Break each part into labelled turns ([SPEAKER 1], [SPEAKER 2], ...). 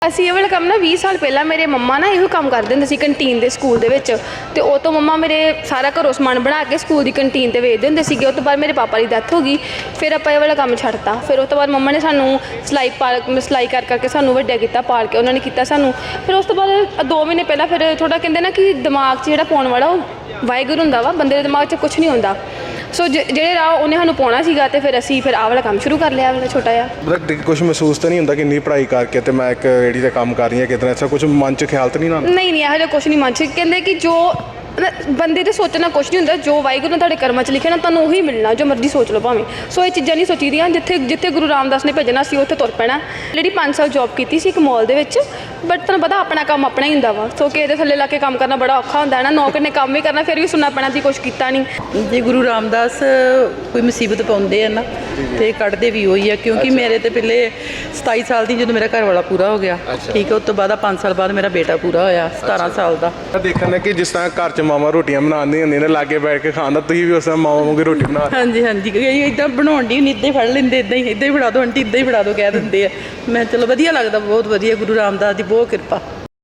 [SPEAKER 1] ਅਸੀਂ ਇਹ ਵਾਲਾ ਕੰਮ ਨਾ 20 ਸਾਲ ਪਹਿਲਾਂ ਮੇਰੇ ਮੰਮਾ ਨਾ ਇਹੋ ਕੰਮ ਕਰਦੇ ਹੁੰਦੇ ਸੀ ਕੰਟੀਨ ਦੇ ਸਕੂਲ ਦੇ ਵਿੱਚ। ਤੇ ਉਹ ਤੋਂ ਮੰਮਾ ਮੇਰੇ ਸਾਰਾ ਘਰੋਂ ਸਮਾਨ ਬਣਾ ਕੇ ਸਕੂਲ ਦੀ ਕੰਟੀਨ 'ਤੇ ਵੇਚਦੇ ਹੁੰਦੇ ਸੀਗੇ। ਉਹ ਤੋਂ ਬਾਅਦ ਮੇਰੇ ਪਾਪਾ ਦੀ ਡੈਥ ਹੋ ਗਈ, ਫਿਰ ਆਪਾਂ ਇਹ ਵਾਲਾ ਕੰਮ ਛੱਡਤਾ। ਫਿਰ ਉਹ ਤੋਂ ਬਾਅਦ ਮੰਮਾ ਨੇ ਸਾਨੂੰ ਸਿਲਾਈ ਕਰ ਕਰਕੇ ਸਾਨੂੰ ਵੱਡਾ ਕੀਤਾ, ਪਾਲ ਕੇ ਉਹਨਾਂ ਨੇ ਕੀਤਾ ਸਾਨੂੰ। ਫਿਰ ਉਸ ਤੋਂ ਬਾਅਦ 2 ਮਹੀਨੇ ਪਹਿਲਾਂ ਫਿਰ ਥੋੜ੍ਹਾ ਕਹਿੰਦੇ ਨਾ ਕਿ ਦਿਮਾਗ 'ਚ ਜਿਹੜਾ ਪਾਉਣ ਵਾਲਾ ਉਹ ਵਾਹਿਗੁਰੂ ਹੁੰਦਾ ਵਾ, ਬੰਦੇ ਦੇ ਦਿਮਾਗ 'ਚ ਕੁਛ ਨਹੀਂ ਹੁੰਦਾ। ਸੋ ਜਿਹੜੇ ਰਾਹ ਉਹਨੇ ਸਾਨੂੰ ਪਾਉਣਾ ਸੀਗਾ ਤੇ ਫਿਰ ਅਸੀਂ ਆਹ ਵਾਲਾ ਕੰਮ ਸ਼ੁਰੂ ਕਰ ਲਿਆ, ਵਾਲਾ ਛੋਟਾ ਜਿਹਾ।
[SPEAKER 2] ਮਤਲਬ ਕੁਝ ਮਹਿਸੂਸ ਤਾਂ ਨਹੀਂ ਹੁੰਦਾ ਕਿ ਇੰਨੀ ਪੜ੍ਹਾਈ ਕਰਕੇ ਤੇ ਮੈਂ ਇੱਕ ਰੇਹੜੀ 'ਤੇ ਕੰਮ ਕਰ ਰਹੀ ਹਾਂ, ਕਿਤੇ ਐਸਾ ਕੁਝ ਮਨ 'ਚ ਖਿਆਲ ਤਾਂ ਨਹੀਂ ਨਾ?
[SPEAKER 1] ਨਹੀਂ ਇਹੋ ਜਿਹਾ ਕੁਛ ਨਹੀਂ ਮਨ 'ਚ। ਕਹਿੰਦੇ ਕਿ ਜੋ ਬੰਦੇ ਤੇ ਸੋਚਣਾ ਕੁਛ ਨਹੀਂ ਹੁੰਦਾ, ਜੋ ਵਾਹਿਗੁਰੂ ਨੇ ਤੁਹਾਡੇ ਕਰਮਾਂ 'ਚ ਲਿਖਿਆ ਨਾ ਤੁਹਾਨੂੰ ਉਹੀ ਮਿਲਣਾ, ਜੋ ਮਰਜ਼ੀ ਸੋਚ ਲਓ ਭਾਵੇਂ। ਸੋ ਇਹ ਚੀਜ਼ਾਂ ਨਹੀਂ ਸੋਚੀਦੀਆਂ। ਜਿੱਥੇ ਗੁਰੂ ਰਾਮਦਾਸ ਨੇ ਭੇਜਣਾ ਸੀ ਉੱਥੇ ਤੁਰ ਪੈਣਾ। ਜਿਹੜੀ 5 ਸਾਲ ਜੋਬ ਕੀਤੀ ਸੀ ਇੱਕ ਮਾਲ ਦੇ ਵਿੱਚ, ਬਟ ਤੁਹਾਨੂੰ ਪਤਾ ਆਪਣਾ ਕੰਮ ਆਪਣਾ ਹੀ ਹੁੰਦਾ ਵਾ। ਸੋ ਕਿ ਇਹਦੇ ਥੱਲੇ ਲਾ ਕੇ ਕੰਮ ਕਰਨਾ ਬੜਾ ਔਖਾ ਹੁੰਦਾ ਹੈ ਨਾ। ਨੌਕਰ ਨੇ ਕੰਮ ਵੀ ਕਰਨਾ, ਫਿਰ ਵੀ ਸੁਣਨਾ ਪੈਣਾ ਸੀ ਕੁਛ ਕੀਤਾ ਨਹੀਂ।
[SPEAKER 3] ਜੇ ਗੁਰੂ ਰਾਮਦਾਸ ਕੋਈ ਮੁਸੀਬਤ ਪਾਉਂਦੇ ਆ ਨਾ ਤੇ ਕੱਢਦੇ ਵੀ ਉਹੀ ਆ। ਕਿਉਂਕਿ ਮੇਰੇ ਤੇ ਪਹਿਲੇ 27 ਸਾਲ ਦੀ ਜਦੋਂ ਮੇਰਾ ਘਰ ਵਾਲਾ ਪੂਰਾ ਹੋ ਗਿਆ, ਠੀਕ ਹੈ, ਉਸ ਤੋਂ ਬਾਅਦ 5 ਸਾਲ ਬਾਅਦ ਮੇਰਾ ਬੇਟਾ ਪੂਰਾ ਹੋਇਆ 17 ਸਾਲ ਦਾ।
[SPEAKER 2] ਦੇਖਣ ਕਿ ਜਿਸ ਤਰ੍ਹਾਂ ਘਰ 'ਚ ਮਾਵਾਂ ਰੋਟੀਆਂ ਬਣਾਉਂਦੀਆਂ ਹੁੰਦੀਆਂ ਨੇ, ਲਾਗੇ ਬੈਠ ਕੇ ਖਾਣ ਦਾ, ਤੁਸੀਂ ਵੀ ਉਸ ਤਰ੍ਹਾਂ ਮਾਵਾਂ ਵਾਂਗੂ ਰੋਟੀ ਬਣਾ?
[SPEAKER 3] ਹਾਂਜੀ ਇੱਦਾਂ ਬਣਾਉਣ ਦੀ ਨਹੀਂ, ਇੱਦਾਂ ਹੀ ਫੜ ਲੈਂਦੇ, ਇੱਦਾਂ ਹੀ ਫੜਾ ਦਿਓ ਆਂਟੀ, ਇੱਦਾਂ ਹੀ ਫੜਾ ਦਿਓ ਕਹਿ ਦਿੰਦੇ ਆ। ਮੈਂ ਚਲੋ ਵਧੀਆ ਲੱਗਦਾ, ਬਹੁਤ ਵਧੀਆ, ਗੁਰੂ ਰਾਮਦਾਸ ਦੀ ਬਹੁਤ ਕਿਰਪਾ।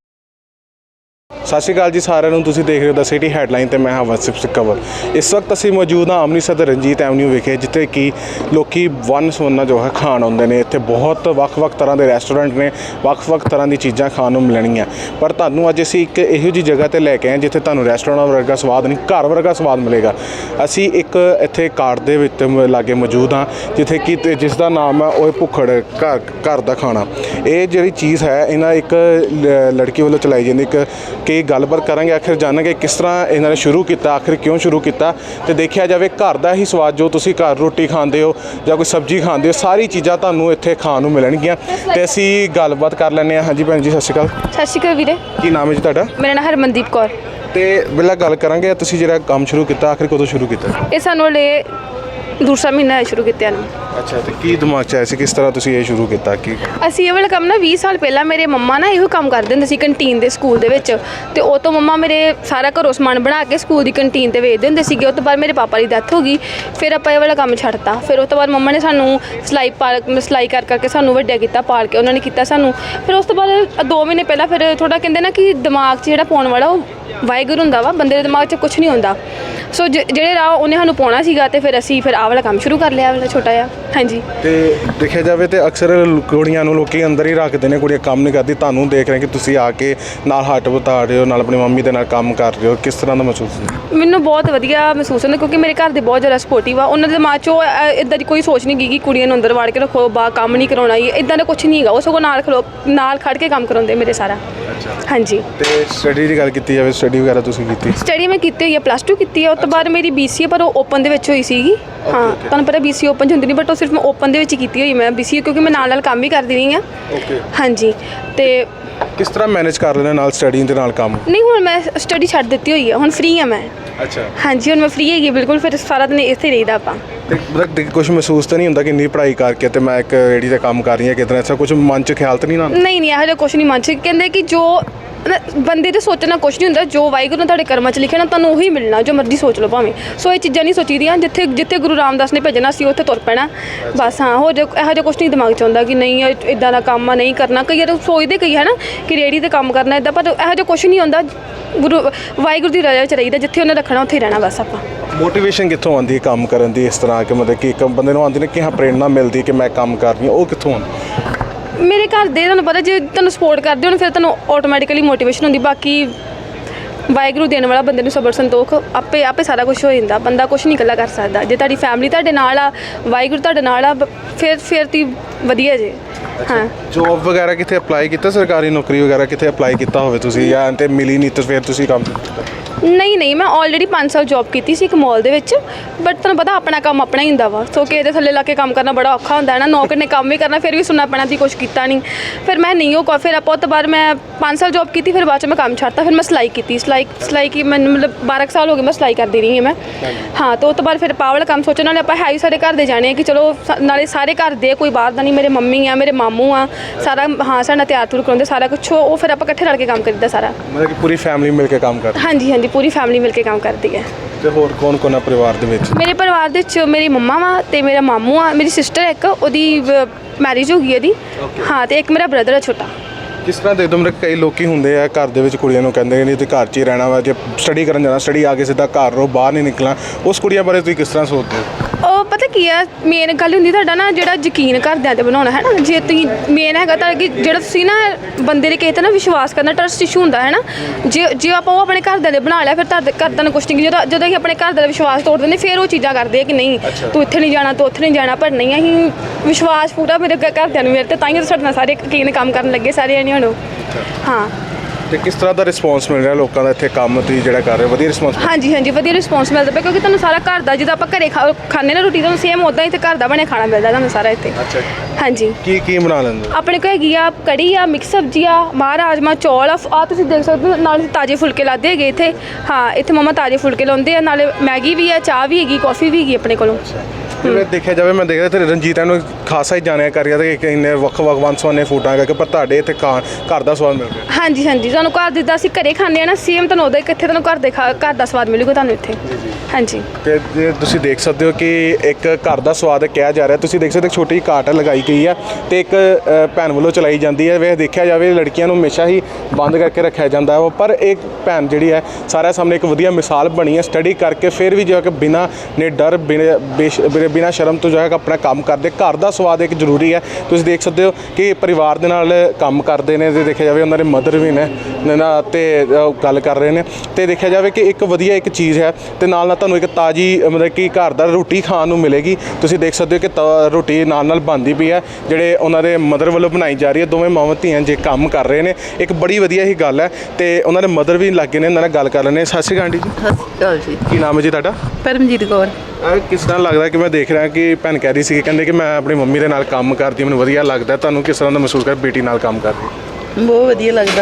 [SPEAKER 2] ਸਤਿ ਸ਼੍ਰੀ ਅਕਾਲ ਜੀ ਸਾਰਿਆਂ ਨੂੰ। ਤੁਸੀਂ ਦੇਖ ਰਹੇ ਹੋ ਦ ਸਿਟੀ ਹੈਡਲਾਈਨ ਤੇ ਮੈਂ ਹਾਂ ਵਸਿਫ ਸਿੱਕਵਰ। ਇਸ ਵਕਤ ਅਸੀਂ ਮੌਜੂਦ ਹਾਂ ਅੰਮ੍ਰਿਤਸਰ ਦੇ ਰਣਜੀਤ ਐਵਨਿਊ ਵਿਖੇ, ਜਿੱਥੇ ਕਿ ਲੋਕੀ ਵੰਨ ਸੁਵੰਨਾ ਜੋ ਹੈ ਖਾਣ ਆਉਂਦੇ ਨੇ। ਇੱਥੇ ਬਹੁਤ ਵੱਖ-ਵੱਖ ਤਰ੍ਹਾਂ ਦੇ ਰੈਸਟੋਰੈਂਟ ਨੇ, ਵੱਖ-ਵੱਖ ਤਰ੍ਹਾਂ ਦੀ ਚੀਜ਼ਾਂ ਖਾਣ ਨੂੰ ਮਿਲਣਗੀਆਂ। ਪਰ ਤੁਹਾਨੂੰ ਅੱਜ ਅਸੀਂ ਇੱਕ ਇਹੋ ਜਿਹੀ ਜਗ੍ਹਾ 'ਤੇ ਲੈ ਕੇ ਆਏ ਜਿੱਥੇ ਤੁਹਾਨੂੰ ਰੈਸਟੋਰੈਂਟ ਵਰਗਾ ਸਵਾਦ ਨਹੀਂ, ਘਰ ਵਰਗਾ ਸਵਾਦ ਮਿਲੇਗਾ। ਅਸੀਂ ਇੱਕ ਇੱਥੇ ਕਾਰਟ ਦੇ ਵਿੱਚ ਲਾਗੇ ਮੌਜੂਦ ਹਾਂ, ਜਿੱਥੇ ਕਿ ਜਿਸ ਦਾ ਨਾਮ ਹੈ ਉਹ ਭੁੱਖੜ ਘਰ ਦਾ ਖਾਣਾ। ਇਹ ਜਿਹੜੀ ਚੀਜ਼ ਹੈ ਇਹਨਾਂ ਇੱਕ ਲੜਕੀ ਵੱਲੋਂ ਚਲਾਈ ਜਾਂਦੀ। ਕਿ ਗੱਲਬਾਤ ਕਰਾਂਗੇ, ਆਖਿਰ ਜਾਣਾਂਗੇ ਕਿਸ ਤਰ੍ਹਾਂ ਇਹਨਾਂ ਨੇ ਸ਼ੁਰੂ ਕੀਤਾ, ਆਖਿਰ ਕਿਉਂ ਸ਼ੁਰੂ ਕੀਤਾ। ਤੇ ਦੇਖਿਆ ਜਾਵੇ ਘਰ ਦਾ ਹੀ ਸਵਾਦ, ਜੋ ਤੁਸੀਂ ਘਰ ਰੋਟੀ ਖਾਂਦੇ ਹੋ ਜਾਂ ਕੋਈ ਸਬਜ਼ੀ ਖਾਂਦੇ ਹੋ, ਸਾਰੀ ਚੀਜ਼ਾਂ ਤੁਹਾਨੂੰ ਇੱਥੇ ਖਾਣ ਨੂੰ ਮਿਲਣਗੀਆਂ। ਤੇ ਅਸੀਂ ਗੱਲਬਾਤ ਕਰ ਲੈਂਦੇ ਹਾਂ। ਹਾਂਜੀ ਭੈਣ ਜੀ, ਸਤਿ ਸ਼੍ਰੀ ਅਕਾਲ।
[SPEAKER 1] ਸਤਿ ਸ਼੍ਰੀ ਅਕਾਲ ਵੀਰੇ।
[SPEAKER 2] ਕੀ ਨਾਮ ਹੈ ਜੀ ਤੁਹਾਡਾ?
[SPEAKER 1] ਮੇਰਾ ਨਾਮ ਹਰਮਨਦੀਪ ਕੌਰ।
[SPEAKER 2] ਤੇ ਪਹਿਲਾਂ ਗੱਲ ਕਰਾਂਗੇ, ਤੁਸੀਂ ਜਿਹੜਾ ਕੰਮ ਸ਼ੁਰੂ ਕੀਤਾ ਆਖਿਰ ਕਦੋਂ ਸ਼ੁਰੂ ਕੀਤਾ?
[SPEAKER 1] ਇਹ ਸਾਨੂੰ ਹਲੇ ਦੂਸਰਾ ਮਹੀਨਾ ਸ਼ੁਰੂ ਕੀਤਾ ਨੂੰ।
[SPEAKER 2] ਅੱਛਾ, ਤੇ ਕੀ ਦਿਮਾਗ 'ਚ ਆਇਆ ਸੀ, ਕਿਸ ਤਰ੍ਹਾਂ ਤੁਸੀਂ ਇਹ ਸ਼ੁਰੂ ਕੀਤਾ? ਕੀ
[SPEAKER 1] ਅਸੀਂ ਇਹ ਵਾਲਾ ਕੰਮ ਨਾ 20 ਸਾਲ ਪਹਿਲਾਂ ਮੇਰੇ ਮੰਮਾ ਨਾ ਇਹੋ ਕੰਮ ਕਰਦੇ ਹੁੰਦੇ ਸੀ ਕੰਟੀਨ ਦੇ ਸਕੂਲ ਦੇ ਵਿੱਚ। ਤੇ ਉਹ ਤੋਂ ਮੰਮਾ ਮੇਰੇ ਸਾਰਾ ਘਰੋਂ ਸਮਾਨ ਬਣਾ ਕੇ ਸਕੂਲ ਦੀ ਕੰਟੀਨ 'ਤੇ ਵੇਚਦੇ ਹੁੰਦੇ ਸੀਗੇ। ਉਹ ਤੋਂ ਬਾਅਦ ਮੇਰੇ ਪਾਪਾ ਦੀ ਡੈਥ ਹੋ ਗਈ, ਫਿਰ ਆਪਾਂ ਇਹ ਵਾਲਾ ਕੰਮ ਛੱਡਤਾ। ਫਿਰ ਉਸ ਤੋਂ ਬਾਅਦ ਮੰਮਾ ਨੇ ਸਾਨੂੰ ਸਿਲਾਈ ਕਰ ਕਰਕੇ ਸਾਨੂੰ ਵੱਡਾ ਕੀਤਾ, ਪਾਲ ਕੇ ਉਹਨਾਂ ਨੇ ਕੀਤਾ ਸਾਨੂੰ। ਫਿਰ ਉਸ ਤੋਂ ਬਾਅਦ 2 ਮਹੀਨੇ ਪਹਿਲਾਂ ਫਿਰ ਥੋੜ੍ਹਾ ਕਹਿੰਦੇ ਨਾ ਕਿ ਦਿਮਾਗ 'ਚ ਜਿਹੜਾ ਪਾਉਣ ਵਾਲਾ ਉਹ ਵਾਹਿਗੁਰੂ ਹੁੰਦਾ ਵਾ, ਬੰਦੇ ਦੇ ਦਿਮਾਗ 'ਚ ਕੁਛ ਨਹੀਂ ਹੁੰਦਾ। ਸੋ ਜਿਹੜੇ ਰਾਹ ਉਹਨੇ ਸਾਨੂੰ ਪਾਉਣਾ ਸੀਗਾ ਤੇ ਫਿਰ ਅਸੀਂ ਆਹ ਵਾਲਾ ਕੰਮ ਸ਼ੁਰੂ ਕਰ ਲਿਆ, ਵਾਲਾ ਛੋਟਾ ਜਿਹਾ। ਹਾਂਜੀ।
[SPEAKER 2] ਤੇ ਦੇਖਿਆ ਜਾਵੇ ਤੇ ਅਕਸਰ ਕੁੜੀਆਂ ਨੂੰ ਲੋਕੀ ਅੰਦਰ ਹੀ ਰੱਖਦੇ ਨੇ, ਕੁੜੀਆਂ ਕੰਮ ਨਹੀਂ ਕਰਦੀ। ਤੁਹਾਨੂੰ ਦੇਖ ਰਹੇ ਕਿ ਤੁਸੀਂ ਆ ਕੇ ਨਾਲ ਹੱਟ ਵਟਾ ਰਹੇ ਹੋ, ਨਾਲ ਆਪਣੀ ਮੰਮੀ ਦੇ ਨਾਲ ਕੰਮ ਕਰ ਰਹੇ ਹੋ, ਕਿਸ ਤਰ੍ਹਾਂ ਦਾ ਮਹਿਸੂਸ ਹੁੰਦਾ?
[SPEAKER 1] ਮੈਨੂੰ ਬਹੁਤ ਵਧੀਆ ਮਹਿਸੂਸ ਹੁੰਦਾ, ਕਿਉਂਕਿ ਮੇਰੇ ਘਰ ਦੇ ਬਹੁਤ ਜ਼ਿਆਦਾ ਸਪੋਰਟਿਵ ਆ। ਉਹਨਾਂ ਦੇ ਦਿਮਾਗ 'ਚੋਂ ਇੱਦਾਂ ਦੀ ਕੋਈ ਸੋਚ ਨਹੀਂ ਗਈ ਕਿ ਕੁੜੀਆਂ ਨੂੰ ਅੰਦਰ ਵਾੜ ਕੇ ਰੱਖੋ, ਕੰਮ ਨਹੀਂ ਕਰਾਉਣਾ, ਇੱਦਾਂ ਦਾ ਕੁਛ ਨਹੀਂ ਹੈਗਾ। ਉਹ ਸਗੋਂ ਨਾਲ ਖੜ ਕੇ ਕੰਮ ਕਰਾਉਂਦੇ ਮੇਰੇ ਸਾਰਾ। ਹਾਂਜੀ।
[SPEAKER 2] ਤੇ ਸਟੱਡੀ ਦੀ ਗੱਲ ਕੀਤੀ ਜਾਵੇ, ਸਟੱਡੀ ਵਗੈਰਾ ਤੁਸੀਂ ਕੀਤੀ?
[SPEAKER 1] ਸਟੱਡੀ ਮੈਂ ਕੀਤੀ ਹੋਈ ਹੈ, +2 ਕੀਤੀ ਹੈ। ਉਸ ਤੋਂ ਬਾਅਦ ਮੇਰੀ BCA, ਪਰ ਉਹ ਓਪਨ ਦੇ ਵਿੱਚ ਹੋਈ ਸੀਗੀ। ਹਾਂ, ਤੁਹਾਨੂੰ ਪਤਾ BCA ਓਪਨ 'ਚ ਹੁੰਦੀ ਨਹੀਂ, ਬਟ ਉਹ ਸਿਰਫ ਮੈਂ ਓਪਨ ਦੇ ਵਿੱਚ ਕੀਤੀ ਹੋਈ ਮੈਂ BCA, ਕਿਉਂਕਿ ਮੈਂ ਨਾਲ ਕੰਮ ਵੀ ਕਰਦੀ ਰਹੀ ਹਾਂ। ਹਾਂਜੀ। ਤੇ
[SPEAKER 2] ਕਿਸ ਤਰ੍ਹਾਂ ਮੈਨੇਜ ਕਰ ਲੈਣਾ ਨਾਲ ਸਟੱਡੀ ਦੇ ਨਾਲ ਕੰਮ?
[SPEAKER 1] ਨਹੀਂ, ਹੁਣ ਮੈਂ ਸਟੱਡੀ ਛੱਡ ਦਿੱਤੀ ਹੋਈ ਹੈ, ਹੁਣ ਫ੍ਰੀ ਹਾਂ ਮੈਂ।
[SPEAKER 2] ਅੱਛਾ। ਹਾਂਜੀ,
[SPEAKER 1] ਹੁਣ ਮੈਂ ਫ੍ਰੀ ਹੈਗੀ ਬਿਲਕੁਲ। ਫਿਰ ਸਾਰਾ ਦਿਨ ਇੱਥੇ ਰਹੀਦਾ ਆਪਾਂ।
[SPEAKER 2] ਤੇ ਮਤਲਬ ਕੁਝ ਮਹਿਸੂਸ ਤਾਂ ਨਹੀਂ ਹੁੰਦਾ ਕਿ ਇੰਨੀ ਪੜ੍ਹਾਈ ਕਰਕੇ ਤੇ ਮੈਂ ਇੱਕ ਰੇਹੜੀ 'ਤੇ ਕੰਮ ਕਰ ਰਹੀ ਹਾਂ, ਕਿਤੇ ਐਸਾ ਕੁਝ ਮਨ 'ਚ ਖਿਆਲ ਤਾਂ ਨਹੀਂ ਨਾ?
[SPEAKER 1] ਨਹੀਂ ਇਹੋ ਜਿਹਾ ਕੁਛ ਨਹੀਂ ਮਨ 'ਚ। ਕਹਿੰਦੇ ਕਿ ਜੋ ਬੰਦੇ ਤੇ ਸੋਚਣਾ ਕੁਛ ਨਹੀਂ ਹੁੰਦਾ, ਜੋ ਵਾਹਿਗੁਰੂ ਨੇ ਤੁਹਾਡੇ ਕਰਮਾਂ 'ਚ ਲਿਖਿਆ ਨਾ ਤੁਹਾਨੂੰ ਉਹੀ ਮਿਲਣਾ, ਜੋ ਮਰਜ਼ੀ ਸੋਚ ਲਓ ਭਾਵੇਂ। ਸੋ ਇਹ ਚੀਜ਼ਾਂ ਨਹੀਂ ਸੋਚੀਦੀਆਂ। ਜਿੱਥੇ ਗੁਰੂ ਰਾਮਦਾਸ ਨੇ ਭੇਜਣਾ ਸੀ ਉੱਥੇ ਤੁਰ ਪੈਣਾ ਬਸ। ਹਾਂ, ਇਹੋ ਜਿਹਾ ਕੁਛ ਨਹੀਂ ਦਿਮਾਗ 'ਚ ਆਉਂਦਾ ਕਿ ਨਹੀਂ ਇੱਦਾਂ ਦਾ ਕੰਮ ਆ, ਨਹੀਂ ਕਰਨਾ। ਕਈ ਵਾਰ ਸੋਚਦੇ ਕਈ ਹੈ ਨਾ ਕਿ ਰੇਹੜੀ 'ਤੇ ਕੰਮ ਕਰਨਾ ਇੱਦਾਂ, ਪਰ ਇਹੋ ਜਿਹਾ ਕੁਛ ਨਹੀਂ ਹੁੰਦਾ। ਵਾਹਿਗੁਰੂ ਦੀ ਰਜ਼ਾ 'ਚ ਰਹੀਦਾ, ਜਿੱਥੇ ਉਹਨੇ ਰੱਖਣਾ ਉੱਥੇ ਹੀ ਰਹਿਣਾ ਬਸ ਆਪਾਂ।
[SPEAKER 2] ਮੋਟੀਵੇਸ਼ਨ ਕਿੱਥੋਂ ਆਉਂਦੀ ਹੈ ਕੰਮ ਕਰਨ ਦੀ ਇਸ ਤਰ੍ਹਾਂ? ਕਿ ਮਤਲਬ ਕਿ ਇੱਕ ਬੰਦੇ ਨੂੰ ਆਉਂਦੀ ਨੇ ਕਿ ਹਾਂ ਪ੍ਰੇਰਨਾ ਮਿਲਦੀ ਕਿ ਮੈਂ ਕੰਮ ਕਰ ਰਹੀ ਹਾਂ, ਉਹ ਕਿੱਥੋਂ ਆਉਂਦੀ?
[SPEAKER 1] ਮੇਰੇ ਘਰ ਦੇ ਤੁਹਾਨੂੰ ਪਤਾ, ਜੇ ਤੁਹਾਨੂੰ ਸਪੋਰਟ ਕਰਦੇ ਹੋਣ ਫਿਰ ਤੁਹਾਨੂੰ ਆਟੋਮੈਟਿਕਲੀ ਮੋਟੀਵੇਸ਼ਨ ਹੁੰਦੀ। ਬਾਕੀ ਵਾਹਿਗੁਰੂ ਦੇਣ ਵਾਲਾ ਬੰਦੇ ਨੂੰ ਸਬਰ ਸੰਤੋਖ, ਆਪੇ ਸਾਰਾ ਕੁਝ ਹੋ ਜਾਂਦਾ। ਬੰਦਾ ਕੁਛ ਨਹੀਂ ਇਕੱਲਾ ਕਰ ਸਕਦਾ। ਜੇ ਤੁਹਾਡੀ ਫੈਮਿਲੀ ਤੁਹਾਡੇ ਨਾਲ ਆ, ਵਾਹਿਗੁਰੂ ਤੁਹਾਡੇ ਨਾਲ ਆ, ਫਿਰ ਤੀ ਵਧੀਆ ਜੇ। ਹਾਂ।
[SPEAKER 2] ਜੋਬ ਵਗੈਰਾ ਕਿੱਥੇ ਅਪਲਾਈ ਕੀਤਾ, ਸਰਕਾਰੀ ਨੌਕਰੀ ਵਗੈਰਾ ਕਿੱਥੇ ਅਪਲਾਈ ਕੀਤਾ ਹੋਵੇ ਤੁਸੀਂ, ਜਾਂ ਤੇ ਮਿਲੀ ਨਹੀਂ ਤਾਂ ਫਿਰ ਤੁਸੀਂ ਕੰਮ ਕੀਤਾ?
[SPEAKER 1] ਨਹੀਂ ਮੈਂ ਆਲਰੇਡੀ 5 ਸਾਲ ਜੋਬ ਕੀਤੀ ਸੀ ਇੱਕ ਮਾਲ ਦੇ ਵਿੱਚ, ਬਟ ਤੁਹਾਨੂੰ ਪਤਾ ਆਪਣਾ ਕੰਮ ਆਪਣਾ ਹੀ ਹੁੰਦਾ ਵਾ। ਸੋ ਕਿ ਇਹਦੇ ਥੱਲੇ ਲਾ ਕੇ ਕੰਮ ਕਰਨਾ ਬੜਾ ਔਖਾ ਹੁੰਦਾ ਹੈ ਨਾ। ਨੌਕਰ ਨੇ ਕੰਮ ਵੀ ਕਰਨਾ, ਫਿਰ ਵੀ ਸੁਣਨਾ ਪੈਣਾ ਸੀ ਕੁਛ ਕੀਤਾ ਨਹੀਂ। ਫਿਰ ਮੈਂ ਨਹੀਂ ਉਹ ਫਿਰ ਆਪਾਂ ਉਹ ਤੋਂ ਬਾਅਦ ਮੈਂ 5 ਸਾਲ ਜੋਬ ਕੀਤੀ। ਫਿਰ ਬਾਅਦ 'ਚ ਮੈਂ ਕੰਮ ਛੱਡਤਾ। ਫਿਰ ਮੈਂ ਸਿਲਾਈ ਕੀਤੀ। ਸਿਲਾਈ ਕੀ ਮੈਨੂੰ ਮਤਲਬ 12 ਸਾਲ ਹੋ ਗਏ ਮੈਂ ਸਿਲਾਈ ਕਰਦੀ ਰਹੀ ਹਾਂ ਮੈਂ। ਹਾਂ, ਤਾਂ ਉਹ ਤੋਂ ਬਾਅਦ ਫਿਰ ਵਾਲਾ ਕੰਮ ਸੋਚਣ ਨਾਲੇ ਆਪਾਂ ਹੈ ਹੀ ਸਾਰੇ ਘਰ ਦੇ ਜਾਣੇ ਕਿ ਚਲੋ, ਨਾਲੇ ਸਾਰੇ ਘਰ ਦੇ, ਕੋਈ ਬਾਹਰ ਦਾ ਨਹੀਂ। ਮੇਰੇ ਮੰਮੀ ਆ, ਮੇਰੇ ਮਾਮੂ ਆ, ਸਾਰਾ ਹਾਂ ਸਾਡਾ ਤਿਆਰ ਤੁਰ ਕਰਾਉਂਦੇ ਸਾਰਾ ਕੁਛ। ਉਹ ਫਿਰ ਆਪਾਂ ਇਕੱਠੇ ਰਲ ਕੇ ਕੰਮ ਕਰੀਦਾ ਸਾਰਾ।
[SPEAKER 2] ਮਤਲਬ ਕਿ ਪੂਰੀ ਫੈਮਿਲੀ ਮਿਲ ਕੇ ਕੰਮ ਕਰਦੀ? ਹਾਂਜੀ,
[SPEAKER 1] ਪੂਰੀ ਫੈਮਿਲੀ ਮਿਲ ਕੇ ਕੰਮ ਕਰਦੀ ਹੈ।
[SPEAKER 2] ਤੇ ਹੋਰ ਕੌਣ ਆ ਪਰਿਵਾਰ ਦੇ ਵਿੱਚ?
[SPEAKER 1] ਮੇਰੇ ਪਰਿਵਾਰ ਦੇ ਵਿੱਚ ਮੇਰੀ ਮੰਮਾ ਵਾ ਤੇ ਮੇਰਾ ਮਾਮੂ ਆ, ਮੇਰੀ ਸਿਸਟਰ ਇੱਕ, ਉਹਦੀ ਮੈਰਿਜ ਹੋ ਗਈ ਉਹਦੀ। ਹਾਂ, ਤੇ ਇੱਕ ਮੇਰਾ ਬ੍ਰਦਰ ਹੈ ਛੋਟਾ।
[SPEAKER 2] ਕਿਸ ਤਰ੍ਹਾਂ ਦੇ ਦੋ ਮੇਰੇ ਕਈ ਲੋਕੀ ਹੁੰਦੇ ਆ ਘਰ ਦੇ ਵਿੱਚ ਕੁੜੀਆਂ ਨੂੰ ਕਹਿੰਦੇ ਨੇ ਤੁਸੀਂ ਘਰ 'ਚ ਹੀ ਰਹਿਣਾ ਵਾ, ਜੇ ਸਟੱਡੀ ਕਰਨ ਜਾਣਾ ਸਟੱਡੀ ਆ ਕੇ ਸਿੱਧਾ ਘਰ ਰਹੋ, ਬਾਹਰ ਨਹੀਂ ਨਿਕਲਣਾ, ਉਸ ਕੁੜੀਆਂ ਬਾਰੇ ਤੁਸੀਂ ਕਿਸ ਤਰ੍ਹਾਂ ਸੋਚਦੇ ਹੋ?
[SPEAKER 1] ਉਹ ਪਤਾ ਕੀ ਆ, ਮੇਨ ਗੱਲ ਹੁੰਦੀ ਤੁਹਾਡਾ ਨਾ ਜਿਹੜਾ ਯਕੀਨ ਘਰਦਿਆਂ ਤੇ ਬਣਾਉਣਾ ਹੈ ਨਾ। ਜੇ ਤੁਸੀਂ ਮੇਨ ਹੈਗਾ ਤਾਂ ਕਿ ਜਿਹੜਾ ਤੁਸੀਂ ਨਾ ਬੰਦੇ ਦੇ ਕਿਸੇ ਤੇ ਨਾ ਵਿਸ਼ਵਾਸ ਕਰਨਾ, ਟਰਸਟ ਇਸ਼ੂ ਹੁੰਦਾ ਹੈ ਨਾ। ਜੇ ਆਪਾਂ ਉਹ ਆਪਣੇ ਘਰਦਿਆਂ ਦੇ ਬਣਾ ਲਿਆ, ਫਿਰ ਤੁਹਾਡੇ ਘਰਦਿਆਂ ਨੂੰ ਕੁਛ ਨਹੀਂ। ਜਦੋਂ ਅਸੀਂ ਆਪਣੇ ਘਰਦਿਆਂ ਦਾ ਵਿਸ਼ਵਾਸ ਤੋੜ ਦਿੰਦੇ, ਫਿਰ ਉਹ ਚੀਜ਼ਾਂ ਕਰਦੇ ਆ ਕਿ ਨਹੀਂ ਤੂੰ ਇੱਥੇ ਨਹੀਂ ਜਾਣਾ, ਤੂੰ ਉੱਥੇ ਨਹੀਂ ਜਾਣਾ। ਪਰ ਨਹੀਂ, ਅਸੀਂ ਵਿਸ਼ਵਾਸ ਪੂਰਾ ਮੇਰੇ ਘਰਦਿਆਂ ਨੂੰ ਮੇਰੇ ਤੇ, ਤਾਂ ਹੀ ਸਾਡੇ ਨਾਲ ਸਾਰੇ ਯਕੀਨ ਕੰਮ ਕਰਨ ਲੱਗੇ ਸਾਰੇ ਜਣੇ ਹੁਣ। ਹਾਂ।
[SPEAKER 2] ਤੇ ਕਿਸ ਤਰ੍ਹਾਂ ਦਾ ਰਿਸਪੌਂਸ ਮਿਲ ਰਿਹਾ ਲੋਕਾਂ ਦਾ ਇੱਥੇ ਕੰਮ ਤੁਸੀਂ ਜਿਹੜਾ ਕਰ ਰਹੇ ਹੋ? ਵਧੀਆ ਰਿਸਪੌਂਸ?
[SPEAKER 1] ਹਾਂਜੀ ਹਾਂਜੀ, ਵਧੀਆ ਰਿਸਪੌਂਸ ਮਿਲਦਾ ਪਿਆ, ਕਿਉਂਕਿ ਤੁਹਾਨੂੰ ਸਾਰਾ ਘਰ ਦਾ, ਜਿੱਦਾਂ ਆਪਾਂ ਘਰੇ ਖਾਂਦੇ ਨਾ ਰੋਟੀ, ਤੁਹਾਨੂੰ ਸੇਮ ਉੱਦਾਂ ਹੀ ਤੇ ਘਰ ਦਾ ਬਣਿਆ ਖਾਣਾ ਮਿਲਦਾ ਤੁਹਾਨੂੰ ਸਾਰਾ ਇੱਥੇ।
[SPEAKER 2] ਅੱਛਾ।
[SPEAKER 1] ਹਾਂਜੀ।
[SPEAKER 2] ਕੀ ਬਣਾ ਲੈਂਦੇ ਹੋ?
[SPEAKER 1] ਆਪਣੇ ਕੋਲ ਹੈਗੀ ਆ ਕੜੀ ਆ, ਮਿਕਸ ਸਬਜ਼ੀ ਆ, ਮਾਹ ਰਾਜਮਾ, ਚੌਲ ਆ ਤੁਸੀਂ ਦੇਖ ਸਕਦੇ ਹੋ। ਨਾਲ ਤਾਜ਼ੇ ਫੁਲਕੇ ਲਾਦੇ ਹੈਗੇ ਇੱਥੇ। ਹਾਂ, ਇੱਥੇ ਮਮਾ ਤਾਜ਼ੇ ਫੁਲਕੇ ਲਾਉਂਦੇ ਆ, ਨਾਲੇ ਮੈਗੀ ਵੀ ਆ, ਚਾਹ ਵੀ ਹੈਗੀ, ਕੌਫੀ ਵੀ ਹੈਗੀ ਆਪਣੇ ਕੋਲੋਂ।
[SPEAKER 2] ਜਿਵੇਂ ਦੇਖਿਆ ਜਾਵੇ, ਮੈਂ ਦੇਖ ਰਿਹਾ ਤੇ ਰਣਜੀਤ ਨੂੰ ਖਾਸਾ ਹੀ ਜਾਣਿਆ ਕਰ ਰਿਹਾ ਤੇ ਇੰਨੇ ਵੱਖ-ਵੱਖ ਵੰਨ-ਸੁਵੰਨੇ ਫੂਡਾਂ ਕਰਕੇ, ਪਰ ਤੁਹਾਡੇ ਇੱਥੇ ਘਰ ਦਾ ਸਵਾਦ ਮਿਲ ਰਿਹਾ।
[SPEAKER 1] ਹਾਂਜੀ ਹਾਂਜੀ, ਤੁਹਾਨੂੰ ਘਰ ਜਿੱਦਾਂ ਅਸੀਂ ਘਰੇ ਖਾਂਦੇ ਆ ਨਾ, ਸੇਮ ਤੁਹਾਨੂੰ ਉਹਦਾ ਕਿੱਥੇ ਤੁਹਾਨੂੰ ਘਰ ਦਾ ਸਵਾਦ ਮਿਲੂਗਾ ਤੁਹਾਨੂੰ ਇੱਥੇ। ਹਾਂਜੀ।
[SPEAKER 2] ਤੇ ਜੇ ਤੁਸੀਂ ਦੇਖ ਸਕਦੇ ਹੋ ਕਿ ਇੱਕ ਘਰ ਦਾ ਸਵਾਦ ਕਿਹਾ ਜਾ ਰਿਹਾ। ਤੁਸੀਂ ਦੇਖ ਸਕਦੇ ਹੋ ਛੋਟੀ ਜਿਹੀ ਕਾਟ ਲਗਾਈ ਗਈ ਆ ਤੇ ਇੱਕ ਭੈਣ ਵੱਲੋਂ ਚਲਾਈ ਜਾਂਦੀ ਹੈ। ਵੇ ਦੇਖਿਆ ਜਾਵੇ ਲੜਕੀਆਂ ਨੂੰ ਹਮੇਸ਼ਾ ਹੀ ਬੰਦ ਕਰਕੇ ਰੱਖਿਆ ਜਾਂਦਾ ਹੈ, ਪਰ ਇੱਕ ਭੈਣ ਜਿਹੜੀ ਹੈ ਸਾਰਿਆਂ ਸਾਹਮਣੇ ਇੱਕ ਵਧੀਆ ਮਿਸਾਲ ਬਣੀ ਹੈ। ਸਟੱਡੀ ਕਰਕੇ ਫਿਰ ਵੀ ਜੋ ਕਿ ਬਿਨਾਂ ਨੇ ਡਰ ਬਿਨਾਂ ਸ਼ਰਮ ਤੋਂ ਜੋ ਹੈ ਆਪਣਾ ਕੰਮ ਕਰਦੇ। ਘਰ ਦਾ ਸਵਾਦ ਇੱਕ ਜ਼ਰੂਰੀ ਹੈ। ਤੁਸੀਂ ਦੇਖ ਸਕਦੇ ਹੋ ਕਿ ਪਰਿਵਾਰ ਦੇ ਨਾਲ ਕੰਮ ਕਰਦੇ ਨੇ ਤੇ ਦੇਖਿਆ ਜਾਵੇ ਉਹਨਾਂ ਦੇ ਮਦਰ ਵੀ ਨੇ ਨਾ ਤੇ ਗੱਲ ਕਰ ਰਹੇ ਨੇ ਤੇ ਦੇਖਿਆ ਜਾਵੇ ਕਿ ਇੱਕ ਵਧੀਆ ਇੱਕ ਚੀਜ਼ ਹੈ ਤੇ ਨਾਲ ਤੁਹਾਨੂੰ ਇੱਕ ਤਾਜ਼ੀ ਮਤਲਬ ਕਿ ਘਰ ਦਾ ਰੋਟੀ ਖਾਣ ਨੂੰ ਮਿਲੇਗੀ। ਤੁਸੀਂ ਦੇਖ ਸਕਦੇ ਹੋ ਕਿ ਰੋਟੀ ਨਾਲ ਬਣਦੀ ਪਈ ਹੈ, ਜਿਹੜੇ ਉਹਨਾਂ ਦੇ ਮਦਰ ਵੱਲੋਂ ਬਣਾਈ ਜਾ ਰਹੀ ਹੈ। ਦੋਵੇਂ ਮਾਵਾਂ ਧੀਆਂ ਜੇ ਕੰਮ ਕਰ ਰਹੇ ਨੇ, ਇੱਕ ਬੜੀ ਵਧੀਆ ਹੀ ਗੱਲ ਹੈ ਤੇ ਉਹਨਾਂ ਦੇ ਮਦਰ ਵੀ ਲੱਗੇ ਨੇ, ਉਹਨਾਂ ਨਾਲ ਗੱਲ ਕਰ ਲੈਂਦੇ। ਸਤਿ ਸ਼੍ਰੀ ਅਕਾਲ ਆਂਟੀ ਜੀ।
[SPEAKER 3] ਸਤਿ ਸ਼੍ਰੀ ਅਕਾਲ ਜੀ।
[SPEAKER 2] ਕੀ ਨਾਮ ਹੈ ਜੀ ਤੁਹਾਡਾ?
[SPEAKER 3] ਪਰਮਜੀਤ ਕੌਰ।
[SPEAKER 2] ਕਿਸ ਤਰ੍ਹਾਂ ਲੱਗਦਾ ਕਿ ਮੈਂ ਦੇਖ ਰਿਹਾ ਕਿ ਭੈਣ ਕਹਿ ਰਹੀ ਸੀ, ਕਹਿੰਦੇ ਕਿ ਮੈਂ ਆਪਣੀ ਮੰਮੀ ਦੇ ਨਾਲ ਕੰਮ ਕਰਦੀ, ਮੈਨੂੰ ਵਧੀਆ ਲੱਗਦਾ। ਤੁਹਾਨੂੰ ਕਿਸ ਤਰ੍ਹਾਂ ਦਾ ਮਹਿਸੂਸ ਕਰ ਬੇਟੀ ਨਾਲ ਕੰਮ ਕਰਦੀ?
[SPEAKER 3] ਬਹੁਤ ਵਧੀਆ ਲੱਗਦਾ।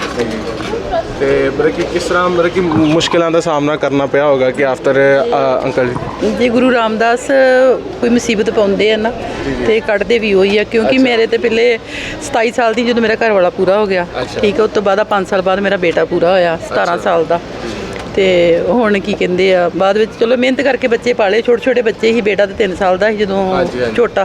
[SPEAKER 2] ਤੇ ਮਤਲਬ ਕਿ ਕਿਸ ਤਰ੍ਹਾਂ ਮਤਲਬ ਕਿ ਮੁਸ਼ਕਿਲਾਂ ਦਾ ਸਾਹਮਣਾ ਕਰਨਾ ਪਿਆ ਹੋਗਾ ਕਿ ਆਫਟਰ ਅੰਕਲ
[SPEAKER 3] ਜੇ ਗੁਰੂ ਰਾਮਦਾਸ ਕੋਈ ਮੁਸੀਬਤ ਪਾਉਂਦੇ ਆ ਨਾ ਤੇ ਕੱਢਦੇ ਵੀ ਉਹੀ ਆ, ਕਿਉਂਕਿ ਮੇਰੇ ਤੇ ਪਹਿਲੇ 27 ਸਾਲ ਦੀ ਜਦੋਂ ਮੇਰਾ ਘਰ ਵਾਲਾ ਪੂਰਾ ਹੋ ਗਿਆ, ਠੀਕ ਹੈ, ਉਸ ਤੋਂ ਬਾਅਦ 5 ਸਾਲ ਬਾਅਦ ਮੇਰਾ ਬੇਟਾ ਪੂਰਾ ਹੋਇਆ 17 ਸਾਲ ਦਾ। ਤੇ ਹੁਣ ਕੀ ਕਹਿੰਦੇ ਆ, ਬਾਅਦ ਵਿੱਚ ਚਲੋ ਮਿਹਨਤ ਕਰਕੇ ਬੱਚੇ ਪਾਲੇ, ਛੋਟੇ ਛੋਟੇ ਬੱਚੇ ਹੀ। ਬੇਟਾ ਤੇ 3 ਸਾਲ ਦਾ ਸੀ ਜਦੋਂ ਛੋਟਾ,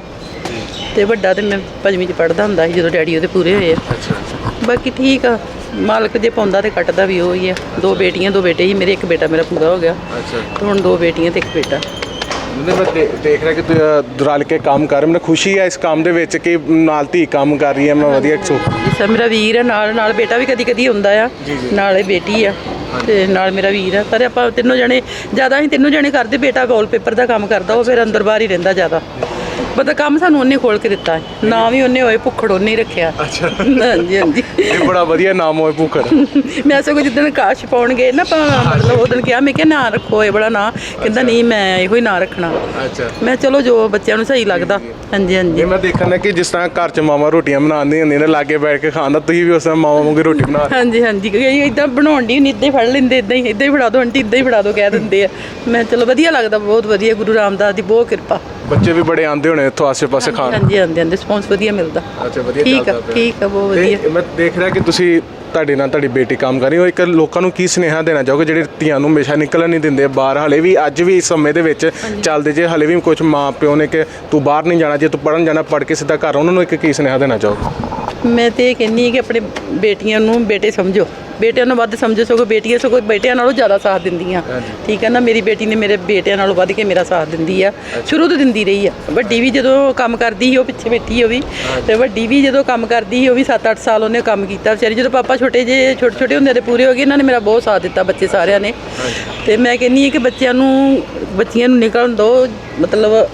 [SPEAKER 3] ਤੇ ਵੱਡਾ ਤੇ ਮੈਂ 5ਵੀਂ 'ਚ ਪੜ੍ਹਦਾ ਹੁੰਦਾ ਸੀ ਜਦੋਂ ਡੈਡੀ ਉਹਦੇ ਪੂਰੇ ਹੋਏ ਆ। ਬਾਕੀ ਠੀਕ ਆ, ਮਾਲਕ ਜੇ ਪਾਉਂਦਾ ਤੇ ਕੱਟਦਾ ਵੀ ਉਹੀ ਆ। 2 ਬੇਟੀਆਂ 2 ਬੇਟੇ ਹੀ ਮੇਰੇ, ਇੱਕ ਬੇਟਾ ਮੇਰਾ ਪੂਰਾ ਹੋ ਗਿਆ ਤੇ ਹੁਣ 2 ਬੇਟੀਆਂ ਤੇ 1 ਬੇਟਾ।
[SPEAKER 2] ਮੈਂ ਦੇਖ ਰਿਹਾ ਕਿ ਤੁਸੀਂ ਰਲ ਕੇ ਕੰਮ ਕਰ ਰਹੇ। ਮੈਨੂੰ ਖੁਸ਼ੀ ਹੈ ਇਸ ਕੰਮ ਦੇ ਵਿੱਚ ਕਿ ਨਾਲ ਧੀ ਕੰਮ ਕਰ ਰਹੀ ਹੈ। ਮੈਂ ਵਧੀਆ
[SPEAKER 3] ਸਰ ਮੇਰਾ ਵੀਰ ਹੈ, ਨਾਲ ਬੇਟਾ ਵੀ ਕਦੀ ਕਦੀ ਹੁੰਦਾ ਆ, ਨਾਲੇ ਬੇਟੀ ਆ ਤੇ ਨਾਲ ਮੇਰਾ ਵੀਰ ਆ। ਪਰ ਆਪਾਂ ਤਿੰਨੋਂ ਜਣੇ ਜ਼ਿਆਦਾ ਹੀ ਤਿੰਨੋਂ ਜਣੇ ਕਰਦੇ। ਬੇਟਾ ਵਾਲਪੇਪਰ ਦਾ ਕੰਮ ਕਰਦਾ, ਉਹ ਫਿਰ ਅੰਦਰ ਬਾਹਰ ਹੀ ਰਹਿੰਦਾ ਜ਼ਿਆਦਾ। ਪਤਾ ਕੰਮ ਸਾਨੂੰ ਉਹਨੇ ਖੋਲ ਕੇ ਦਿੱਤਾ, ਨਾ ਵੀ ਉਹਨੇ ਹੋਏ ਭੁੱਖੜ ਉਹਨੇ ਹੀ ਰੱਖਿਆ।
[SPEAKER 2] ਅੱਛਾ।
[SPEAKER 3] ਹਾਂਜੀ ਹਾਂਜੀ,
[SPEAKER 2] ਇਹ ਬੜਾ ਵਧੀਆ ਨਾਮ ਹੋਏ ਭੁੱਖੜ।
[SPEAKER 3] ਮੈਂ ਸਗੋਂ ਜਿੱਦਣ ਕਾਸ਼ ਪਾਉਣ ਗਏ ਨਾ ਆਪਾਂ, ਮਤਲਬ ਉਹ ਦਿਨ ਕਿਹਾ, ਮੈਂ ਕਿਹਾ ਨਾਂ ਰੱਖੋ ਇਹ ਬੜਾ ਨਾਂ, ਕਹਿੰਦਾ ਨਹੀਂ ਮੈਂ ਇਹੋ ਹੀ ਨਾਂ ਰੱਖਣਾ।
[SPEAKER 2] ਅੱਛਾ। ਮੈਂ
[SPEAKER 3] ਚਲੋ ਜੋ ਬੱਚਿਆਂ ਨੂੰ ਸਹੀ ਲੱਗਦਾ। ਹਾਂਜੀ ਹਾਂਜੀ।
[SPEAKER 2] ਮੈਂ ਦੇਖਣਾ ਕਿ ਜਿਸ ਤਰ੍ਹਾਂ ਘਰ 'ਚ ਮਾਵਾਂ ਰੋਟੀਆਂ ਬਣਾਉਂਦੀਆਂ ਹੁੰਦੀਆਂ ਨੇ, ਲਾਗੇ ਬੈਠ ਕੇ ਖਾਣ ਦਾ, ਤੁਸੀਂ ਵੀ ਉਸ ਤਰ੍ਹਾਂ ਮਾਵਾਂ ਵਾਂਗੂ ਰੋਟੀ ਬਣਾ।
[SPEAKER 3] ਹਾਂਜੀ ਹਾਂਜੀ, ਇਦਾਂ ਬਣਾਉਣ ਦੀ ਨਹੀਂ, ਇੱਦਾਂ ਹੀ ਫੜ ਲੈਂਦੇ, ਇੱਦਾਂ ਹੀ ਫੜਾ ਦਿਓ ਆਂਟੀ, ਇੱਦਾਂ ਹੀ ਫੜਾ ਦਿਓ ਕਹਿ ਦਿੰਦੇ ਆ। ਮੈਂ ਚਲੋ ਵਧੀਆ ਲੱਗਦਾ, ਬਹੁਤ ਵਧੀਆ, ਗੁਰੂ ਰਾਮਦਾਸ ਦੀ ਬਹੁਤ ਕਿਰਪਾ।
[SPEAKER 2] ਬੱਚੇ ਵੀ ਬੜੇ ਆਉਂਦੇ ਹੋਣੇ ਇੱਥੋਂ ਆਸੇ-ਪਾਸੇ ਖਾਣ?
[SPEAKER 3] ਹਾਂਜੀ ਆਉਂਦੇ ਰਿਸਪੌਂਸ ਵਧੀਆ ਮਿਲਦਾ।
[SPEAKER 2] ਅੱਛਾ, ਵਧੀਆ
[SPEAKER 3] ਠੀਕ ਆ, ਠੀਕ ਆ, ਬਹੁਤ ਵਧੀਆ।
[SPEAKER 2] ਮੈਂ ਦੇਖ ਰਿਹਾ ਕਿ ਤੁਸੀਂ ਤੁਹਾਡੇ ਨਾਲ ਤੁਹਾਡੀ ਬੇਟੀ ਕੰਮ ਕਰ ਰਹੀ ਹੋ। ਇੱਕ ਲੋਕਾਂ ਨੂੰ ਕੀ ਸੁਨੇਹਾ ਦੇਣਾ ਚਾਹੋਗੇ ਜਿਹੜੇ ਧੀਆਂ ਨੂੰ ਹਮੇਸ਼ਾ ਨਿਕਲਣ ਨਹੀਂ ਦਿੰਦੇ ਬਾਹਰ? ਹਲੇ ਵੀ ਅੱਜ ਵੀ ਇਸ ਸਮੇਂ ਦੇ ਵਿੱਚ ਚੱਲਦੇ ਜੇ, ਹਲੇ ਵੀ ਕੁਝ ਮਾਂ ਪਿਓ ਨੇ ਕਿ ਤੂੰ ਬਾਹਰ ਨਹੀਂ ਜਾਣਾ, ਜੇ ਤੂੰ ਪੜ੍ਹਨ ਜਾਣਾ ਪੜ੍ਹ ਕੇ ਸਿੱਧਾ ਘਰ। ਉਹਨਾਂ ਨੂੰ ਇੱਕ ਕੀ ਸੁਨੇਹਾ ਦੇਣਾ ਚਾਹੋਗੇ?
[SPEAKER 3] ਮੈਂ ਤੇ ਇਹ ਕਹਿੰਦੀ ਹਾਂ ਕਿ ਆਪਣੇ ਬੇਟੀਆਂ ਨੂੰ ਬੇਟੇ ਸਮਝੋ, ਬੇਟਿਆਂ ਨੂੰ ਵੱਧ ਸਮਝੋ। ਸਗੋਂ ਬੇਟੀਆਂ ਸਗੋਂ ਬੇਟਿਆਂ ਨਾਲੋਂ ਜ਼ਿਆਦਾ ਸਾਥ ਦਿੰਦੀਆਂ। ਠੀਕ ਹੈ ਨਾ, ਮੇਰੀ ਬੇਟੀ ਨੇ ਮੇਰੇ ਬੇਟਿਆਂ ਨਾਲੋਂ ਵੱਧ ਕੇ ਮੇਰਾ ਸਾਥ ਦਿੰਦੀ ਆ, ਸ਼ੁਰੂ ਤੋਂ ਦਿੰਦੀ ਰਹੀ ਆ। ਵੱਡੀ ਵੀ ਜਦੋਂ ਕੰਮ ਕਰਦੀ ਸੀ, ਉਹ ਪਿੱਛੇ ਬੈਠੀ ਉਹ ਵੀ, ਤੇ ਵੱਡੀ ਵੀ ਜਦੋਂ ਕੰਮ ਕਰਦੀ ਸੀ, ਉਹ ਵੀ 7-8 ਸਾਲ ਉਹਨੇ ਕੰਮ ਕੀਤਾ ਵਿਚਾਰੀ। ਜਦੋਂ ਪਾਪਾ ਛੋਟੇ ਹੁੰਦੇ ਤੇ ਪੂਰੇ ਹੋ ਗਏ, ਇਹਨਾਂ ਨੇ ਮੇਰਾ ਬਹੁਤ ਸਾਥ ਦਿੱਤਾ, ਬੱਚੇ ਸਾਰਿਆਂ ਨੇ। ਤੇ ਮੈਂ ਕਹਿੰਦੀ ਹਾਂ ਕਿ ਬੱਚਿਆਂ ਨੂੰ ਨਿਕਲਣ ਦਿਓ, ਮਤਲਬ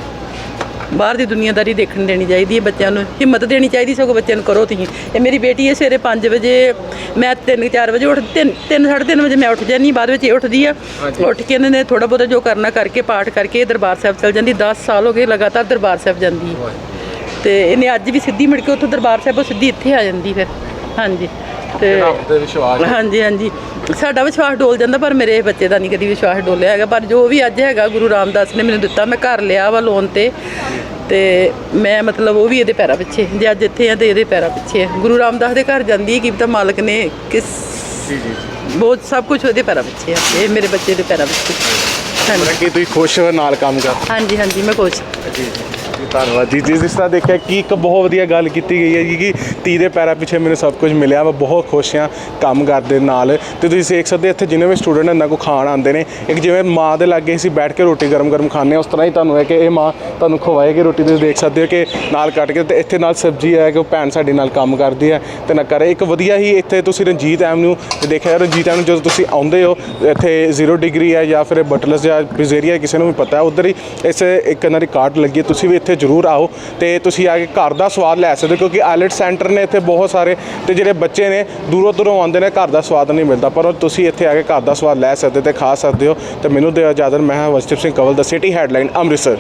[SPEAKER 3] ਬਾਹਰ ਦੀ ਦੁਨੀਆਦਾਰੀ ਦੇਖਣ ਦੇਣੀ ਚਾਹੀਦੀ ਹੈ। ਬੱਚਿਆਂ ਨੂੰ ਹਿੰਮਤ ਦੇਣੀ ਚਾਹੀਦੀ, ਸਗੋਂ ਬੱਚਿਆਂ ਨੂੰ ਕਰੋ ਤੁਸੀਂ। ਇਹ ਮੇਰੀ ਬੇਟੀ ਹੈ, ਸਵੇਰੇ 5 ਵਜੇ, ਮੈਂ 3-4 ਵਜੇ ਉੱਠ 3-3:30 ਵਜੇ ਮੈਂ ਉੱਠ ਜਾਂਦੀ, ਬਾਅਦ ਵਿੱਚ ਇਹ ਉੱਠਦੀ ਆ। ਉੱਠ ਕੇ ਇਹਨਾਂ ਨੇ ਥੋੜ੍ਹਾ ਬਹੁਤਾ ਜੋ ਕਰਨਾ ਕਰਕੇ, ਪਾਠ ਕਰਕੇ ਦਰਬਾਰ ਸਾਹਿਬ ਚਲ ਜਾਂਦੀ। 10 ਸਾਲ ਹੋ ਗਏ ਲਗਾਤਾਰ ਦਰਬਾਰ ਸਾਹਿਬ ਜਾਂਦੀ। ਤੇ ਇਹਨੇ ਅੱਜ ਵੀ ਸਿੱਧੀ ਮੁੜ ਕੇ ਉੱਥੋਂ ਦਰਬਾਰ ਸਾਹਿਬੋਂ ਸਿੱਧੀ ਇੱਥੇ ਆ ਜਾਂਦੀ ਫਿਰ। ਹਾਂਜੀ। ਤੇ ਹਾਂਜੀ ਹਾਂਜੀ, ਸਾਡਾ ਵਿਸ਼ਵਾਸ ਡੋਲ ਜਾਂਦਾ, ਪਰ ਮੇਰੇ ਬੱਚੇ ਦਾ ਨਹੀਂ ਕਦੀ ਵਿਸ਼ਵਾਸ ਡੋਲਿਆ ਹੈਗਾ। ਪਰ ਜੋ ਵੀ ਅੱਜ ਹੈਗਾ ਗੁਰੂ ਰਾਮਦਾਸ ਨੇ ਮੈਨੂੰ ਦਿੱਤਾ, ਮੈਂ ਘਰ ਲਿਆ ਵਾ ਲੋਨ ਤੇ ਮੈਂ ਮਤਲਬ ਉਹ ਵੀ ਇਹਦੇ ਪੈਰਾਂ ਪਿੱਛੇ, ਜੇ ਅੱਜ ਇੱਥੇ ਆ ਤੇ ਇਹਦੇ ਪੈਰਾਂ ਪਿੱਛੇ ਹੈ। ਗੁਰੂ ਰਾਮਦਾਸ ਦੇ ਘਰ ਜਾਂਦੀ ਹੈ, ਕੀ ਪਤਾ ਮਾਲਕ ਨੇ ਕਿਸ ਬਹੁਤ ਸਭ ਕੁਝ ਉਹਦੇ ਪੈਰਾਂ ਪਿੱਛੇ ਆ, ਇਹ ਮੇਰੇ ਬੱਚੇ ਦੇ ਪੈਰਾਂ ਪਿੱਛੇ। ਹਾਂਜੀ,
[SPEAKER 2] ਤੁਸੀਂ ਖੁਸ਼ ਹੋ ਨਾਲ ਕੰਮ ਕਰ?
[SPEAKER 3] ਹਾਂਜੀ ਹਾਂਜੀ, ਮੈਂ ਖੁਸ਼।
[SPEAKER 2] ਜੀ। ਧੰਨਵਾਦ ਜੀ। ਜਿਸ ਤਰ੍ਹਾਂ ਦੇਖਿਆ ਕਿ ਇੱਕ ਬਹੁਤ ਵਧੀਆ ਗੱਲ ਕੀਤੀ ਗਈ ਹੈ ਜੀ ਕਿ ਧੀ ਦੇ ਪੈਰਾਂ ਪਿੱਛੇ ਮੈਨੂੰ ਸਭ ਕੁਝ ਮਿਲਿਆ। ਮੈਂ ਬਹੁਤ ਖੁਸ਼ ਹਾਂ ਕੰਮ ਕਰਦੇ ਨਾਲ। ਤੇ ਤੁਸੀਂ ਦੇਖ ਸਕਦੇ ਇੱਥੇ ਜਿੰਨੇ ਵੀ ਸਟੂਡੈਂਟ ਇਹਨਾਂ ਕੋਲ ਖਾਣ ਆਉਂਦੇ ਨੇ, ਇੱਕ ਜਿਵੇਂ ਮਾਂ ਦੇ ਲਾਗੇ ਅਸੀਂ ਬੈਠ ਕੇ ਰੋਟੀ ਗਰਮ ਗਰਮ ਖਾਂਦੇ ਹਾਂ, ਉਸ ਤਰ੍ਹਾਂ ਹੀ ਤੁਹਾਨੂੰ ਹੈ ਕਿ ਇਹ ਮਾਂ ਤੁਹਾਨੂੰ ਖਵਾਏਗੀ ਰੋਟੀ। ਤੁਸੀਂ ਦੇਖ ਸਕਦੇ ਹੋ ਕਿ ਨਾਲ ਕੱਟ ਕੇ, ਤੇ ਇੱਥੇ ਨਾਲ ਸਬਜ਼ੀ ਹੈ ਕਿ ਉਹ ਭੈਣ ਸਾਡੀ ਨਾਲ ਕੰਮ ਕਰਦੀ ਹੈ ਤੇ ਨਾ ਕਰੇ। ਇੱਕ ਵਧੀਆ ਹੀ ਇੱਥੇ ਤੁਸੀਂ ਰਣਜੀਤ ਐਵਨਿਊ ਦੇਖਿਆ, ਰਣਜੀਤ ਐਵਨਿਊ ਜਦੋਂ ਤੁਸੀਂ ਆਉਂਦੇ ਹੋ ਇੱਥੇ 0 ਡਿਗਰੀ ਹੈ ਜਾਂ ਫਿਰ ਬਟਲਸ ਜਾਂ ਪਿਜ਼ੇਰੀਆ ਕਿਸੇ ਨੂੰ ਵੀ ਪਤਾ ਉੱਧਰ ਹੀ ਇਸ ਇੱਕ ਇਹਨਾਂ ਦੀ ਕਾਰਟ ਲੱਗੀ ਹੈ। ਤੁਸੀਂ ਵੀ ਇੱਥੇ ਜ਼ਰੂਰ ਆਓ ਤੇ ਤੁਸੀਂ ਆ ਕੇ ਘਰ ਦਾ ਸਵਾਦ ਲੈ ਸਕਦੇ ਹੋ, ਕਿਉਂਕਿ ਆਈਲੈਟ ਸੈਂਟਰ ਨੇ ਇੱਥੇ ਬਹੁਤ ਸਾਰੇ, ਤੇ ਜਿਹੜੇ ਬੱਚੇ ਨੇ ਦੂਰੋਂ ਦੂਰੋਂ ਆਉਂਦੇ ਨੇ, ਘਰ ਦਾ ਸਵਾਦ ਨਹੀਂ ਮਿਲਦਾ, ਪਰ ਤੁਸੀਂ ਇੱਥੇ ਆ ਕੇ ਘਰ ਦਾ ਸਵਾਦ ਲੈ ਸਕਦੇ ਤੇ ਖਾ ਸਕਦੇ ਹੋ। ਤੇ ਮੈਨੂੰ ਦਿਓ ਇਜਾਜ਼ਤ। ਮੈਂ ਹਾਂ ਵਸਤਿਪ ਸਿੰਘ ਕੰਵਲ, ਦਾ ਸਿਟੀ ਹੈਡਲਾਈਨ, ਅੰਮ੍ਰਿਤਸਰ।